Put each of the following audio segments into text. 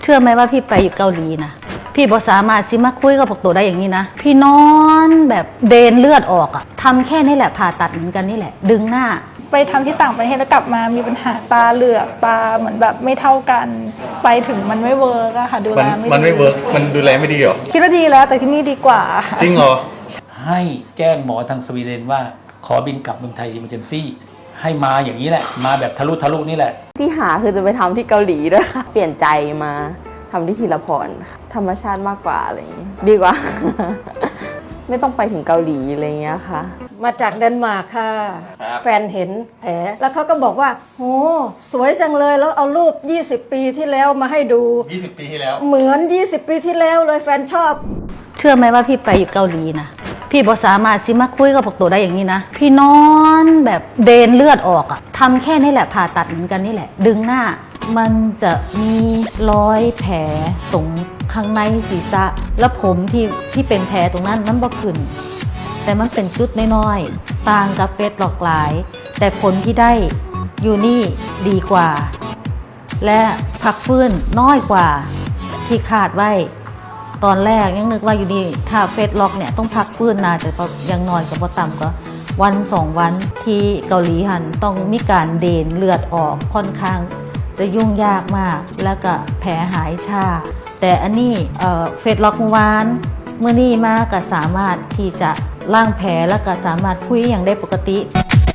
เชื่อไหมว่าพี่ไปอยู่เกาหลีนะพี่บอสามารถสิมาคุยกับพวกตัวได้อย่างนี้นะพี่นอนแบบเดนเลือดออกอะทำแค่นี้แหละผ่าตัดเหมือนกันนี่แหละดึงหน้าไปทำที่ต่างประเทศแล้วกลับมามีปัญหาตาเหลือกตาเหมือนแบบไม่เท่ากันไปถึงมันไม่เวิร์กอะค่ะดูแลไม่ดีมันไม่เวิร์กมันดูแลไม่ดีเหรอคิดว่าดีแล้วแต่ที่นี่ดีกว่าจริงเหรอให้แจ้งหมอทางสวีเดนว่าขอบินกลับเมืองไทย Emergency ให้มาอย่างนี้แหละมาแบบทะลุนี่แหละที่หาคือจะไปทำที่เกาหลีด้วยค่ะเปลี่ยนใจมาทำที่ธีรพรธรรมชาติมากกว่าอะไรอย่างนี้ดีกว่า ไม่ต้องไปถึงเกาหลีอะไรเงี้ยค่ะมาจากเดนมาร์กค่ะแฟนเห็นแผลแล้วเขาก็บอกว่าโหสวยจังเลยแล้วเอารูป20 ปีที่แล้วมาให้ดู 20 ปีที่แล้วเหมือน20 ปีที่แล้วเลยแฟนชอบเชื่อไหมว่าพี่ไปอยู่เกาหลีนะพี่บอสามารถสิมาคุยกับพวกตัวได้อย่างนี้นะพี่นอนแบบเดนเลือดออกอะทำแค่นี้แหละผ่าตัดเหมือนกันนี่แหละดึงหน้ามันจะมีรอยแผลตรงข้างในศีรษะแล้วผมที่เป็นแผลตรงนั้นมันบ่ขึ้นแต่มันเป็นจุดน้อยๆต่างกับเฟสหลอกหลายแต่ผลที่ได้อยู่นี่ดีกว่าและพักฟื้นน้อยกว่าที่คาดไว้ตอนแรกยังนึกว่าอยู่ดีถ้าเฟสล็อกเนี่ยต้องพักฟื้นนานแต่ยังนอนกับพอต่ำก็วัน2 วันที่เกาหลีหันต้องมีการเดนเลือดออกค่อนข้างจะยุ่งยากมากแล้วก็แผลหายช้าแต่อันนี้เฟสล็อกเมื่อวานเมื่อนี้มาก็สามารถที่จะล้างแผลแล้วก็สามารถคุยอย่างได้ปกติ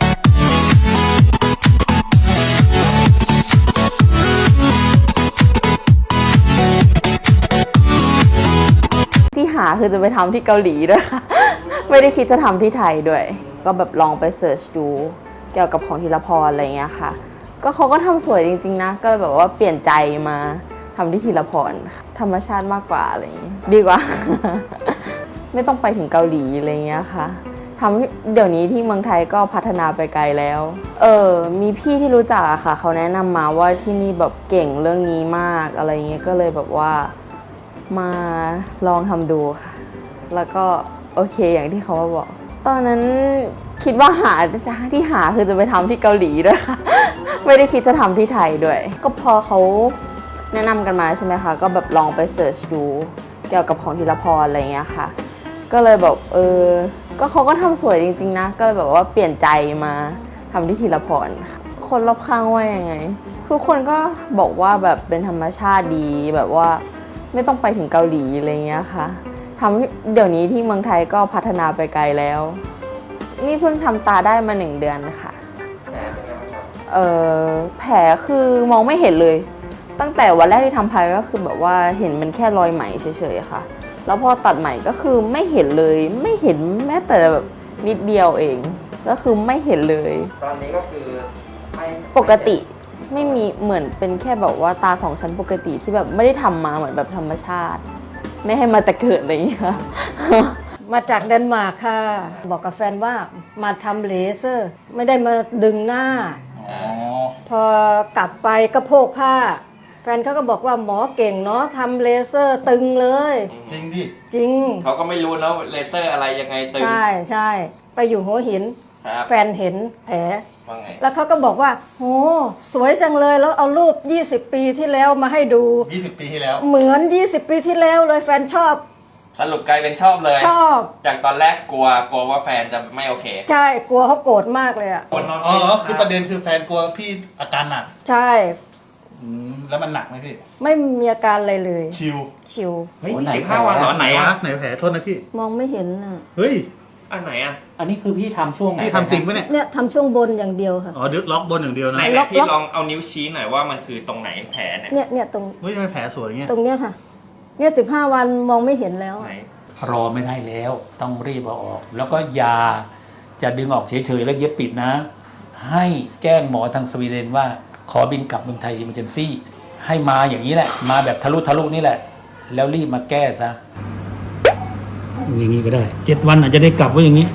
ที่หาคือจะไปทำที่เกาหลีด้วยค่ะ ไม่ได้คิดจะทำที่ไทยด้วยก็แบบลองไปเสิร์ชดูเกี่ยวกับของธีรพรอะไรเงี้ยค่ะก็เขาก็ทำสวยจริงๆนะก็แบบว่าเปลี่ยนใจมาทำที่ธีรพรธรรมชาติมากกว่าอะไรอย่างนี้ดีกว่า ไม่ต้องไปถึงเกาหลีอะไรเงี้ยค่ะทำเดี๋ยวนี้ที่เมืองไทยก็พัฒนาไปไกลแล้วมีพี่ที่รู้จักอะค่ะเขาแนะนำมาว่าที่นี่แบบเก่งเรื่องนี้มากอะไรเงี้ยก็เลยแบบว่ามาลองทำดูค่ะแล้วก็โอเคอย่างที่เขาบอกตอนนั้นคิดว่าที่หาคือจะไปทำที่เกาหลีด้วยค่ะ ไม่ได้คิดจะทำที่ไทยด้วยก็พอเขาแนะนำกันมาใช่ไหมคะก็แบบลองไปเสิร์ชดูเกี่ยวกับของธีรพรอะไรเงี้ยค่ะก็เลยแบบก็เขาก็ทำสวยจริงๆนะก็เลยแบบว่าเปลี่ยนใจมาทำที่ธีรพรค่ะคนรอบข้างว่ายังไงทุกคนก็บอกว่าแบบเป็นธรรมชาติดีแบบว่าไม่ต้องไปถึงเกาหลีอะไรเงี้ยค่ะเดี๋ยวนี้ที่เมืองไทยก็พัฒนาไปไกลแล้วนี่เพิ่งทำตาได้มา1 เดือนค่ะแผลคือมองไม่เห็นเลยตั้งแต่วันแรกที่ทำไปก็คือแบบว่าเห็นมันแค่รอยไหมเฉยๆค่ะแล้วพอตัดใหม่ก็คือไม่เห็นเลยไม่เห็นแม้แต่แบบนิดเดียวเองก็คือไม่เห็นเลยตอนนี้ก็คือปกติไม่มีเหมือนเป็นแค่แบบว่าตา2 ชั้นปกติที่แบบไม่ได้ทำมาเหมือนแบบธรรมชาติไม่ให้มาแต่เกิดอะไรอย่างเงี้ยมาจากเดนมาร์กค่ะบอกกับแฟนว่ามาทำเลเซอร์ไม่ได้มาดึงหน้าพอกลับไปก็โพกผ้าแฟนเขาก็บอกว่าหมอเก่งเนาะทำเลเซอร์ตึงเลยจริงดิจริงเขาก็ไม่รู้นะเลเซอร์อะไรยังไงตึงใช่ไปอยู่หัวหินแฟนเห็นแผลแล้วเขาก็บอกว่าโหสวยจังเลยแล้วเอารูป20 ปีที่แล้วมาให้ดู 20 ปีที่แล้วเหมือน20 ปีที่แล้วเลยแฟนชอบสรุปกลายเป็นชอบเลยชอบจากตอนแรกกลัวว่าแฟนจะไม่โอเคใช่กลัวเขาโกรธมากเลยอ่ะคือประเด็นคือแฟนกลัวพี่อาการหนักใช่แล้วมันหนักไหมพี่ไม่มีอาการอะไรเลยชิวเฮ้ย15 วันเหรอไหนอะไหนแผลโทษนะพี่มองไม่เห็นอ่ะเฮ้ยอันไหนอ่ะอันนี้คือพี่ทำช่วงไหนพี่ทำจริงปะเนี่ยทำช่วงบนอย่างเดียวค่ะดึกล็อกบนอย่างเดียวนะไหนพี่ลองเอานิ้วชี้หน่อยว่ามันคือตรงไหนแผลเนี่ยตรงเฮ้ยทำไมแผลสวยเงี้ยตรงเนี้ยค่ะเนี่ย15 วันมองไม่เห็นแล้วรอไม่ได้แล้วต้องรีบเอาออกแล้วก็ยาจะดึงออกเฉยๆแล้วเย็บปิดนะให้แจ้งหมอทางสวีเดนว่าขอบินกลับเมืองไทย Emergency ให้มาอย่างนี้แหละมาแบบทะลุนี่แหละแล้วรีบมาแก้ซะอย่างนี้ก็ได้7 วันอาจจะได้กลับว่าอย่างนี้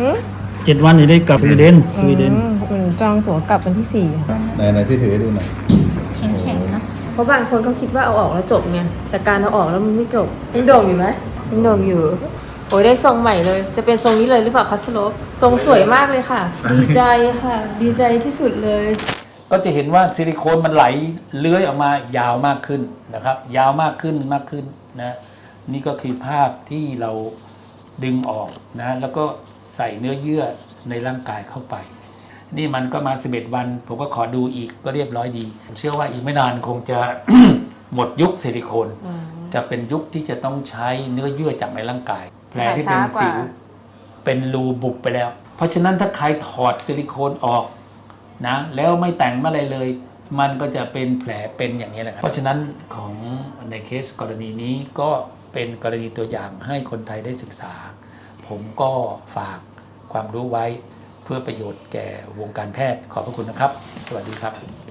7 วันจะได้กลับสวีเดนจองตั๋วกลับวันที่4ค่ะไหนพี่ถือให้ดูหน่อยแข็งๆนะเพราะบางคนเขาคิดว่าเอาออกแล้วจบไงแต่การเอาออกแล้วมันไม่จบยังโด่งอยู่ไหมยังโด่งอยู่โอ้ยได้ทรงใหม่เลยจะเป็นทรงนี้เลยหรือเปล่าคะสโลปทรงสวยมากเลยค่ะดีใจค่ะดีใจที่สุดเลยก็จะเห็นว่าซิลิโคนมันไหลเลื้อยออกมายาวมากขึ้นนะครับ ยาวมากขึ้นนะนี่ก็คือภาพที่เราดึงออกนะแล้วก็ใส่เนื้อเยื่อในร่างกายเข้าไป นี่มันก็มา11วันผมก็ขอดูอีกก็เรียบร้อยดีผมเชื่อว่าอีกไม่นานคงจะ หมดยุคซิลิโคนจะเป็นยุคที่จะต้องใช้เนื้อเยื่อจากในร่างกายแผลที่เป็นสิวเป็นรูบุบไปแล้ว เพราะฉะนั้นถ้าใครถอดซิลิโคนออกนะแล้วไม่แต่งอะไรเลย มันก็จะเป็นแผลเป็นอย่างนี้แหละครับเพราะฉะนั้นของในเคสกรณีนี้ก็เป็นกรณีตัวอย่างให้คนไทยได้ศึกษา ผมก็ฝากความรู้ไว้เพื่อประโยชน์แก่วงการแพทย์ขอบพระคุณนะครับ สวัสดีครับ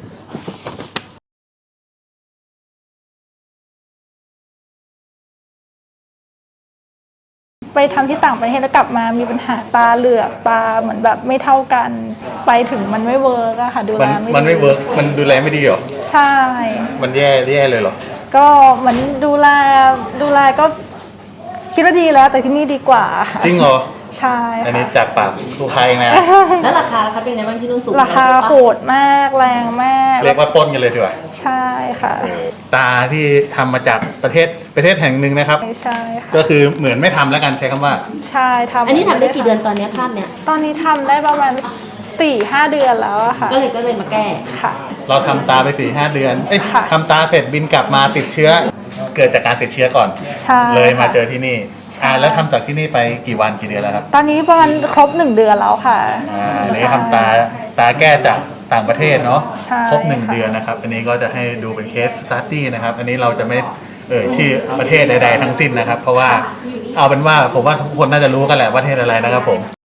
ไปทำที่ต่างประเทศแล้วกลับมามีปัญหาตาเหลือกตาเหมือนแบบไม่เท่ากัน ไปถึงมันไม่เวิร์กอะค่ะดูแลไม่ดีมันไม่เวิร์กมันดูแลไม่ดีเหรอใช่มันแย่เลยเหรอก็เหมือนดูแลก็คิดว่าดีแล้วแต่ที่นี่ดีกว่าค่ะจริงเหรอใช่อันค่ะนี้จากปากลูกค้าเองนะแล้วราคาครับเป็นไงบ้างที่นู่นสูงราคาโหดมากแรงมากเรียกว่าปล้นกันเลยดีกว่าใช่ค่ะตาที่ทำมาจากประเทศแห่งหนึ่งนะครับใช่ค่ะก็คือเหมือนไม่ทำแล้วกันใช้คำว่าใช่ทำอันนี้ทำได้กี่เดือนตอนนี้ภาพเนี้ยตอนนี้ทำได้ประมาณ 4-5 เดือนแล้วอะค่ะก็เลยมาแก้ค่ะเราทำตาไป4-5 เดือนเอ้ยค่ะทำตาเสร็จบินกลับมาติดเชื้อ เกิดจากการติดเชื้อก่อนใช่เลยมาค่ะเจอที่นี่แล้วทำจากที่นี่ไปกี่วันกี่เดือนแล้วครับตอนนี้ประมาณครบ 1 เดือนแล้วค่ะอันนี้ทำตาแก้จากต่างประเทศเนาะใช่ครบ1 ค่ะเดือนนะครับ อันนี้ก็จะให้ดูเป็นเคสสตาร์ตี้นะครับ อันนี้เราจะไม่ชื่อประเทศใดๆทั้งสิ้นนะครับ เพราะว่าเอาเป็นว่าผมว่าทุกคนน่าจะรู้กันแหละว่าประเทศอะไรนะครับผม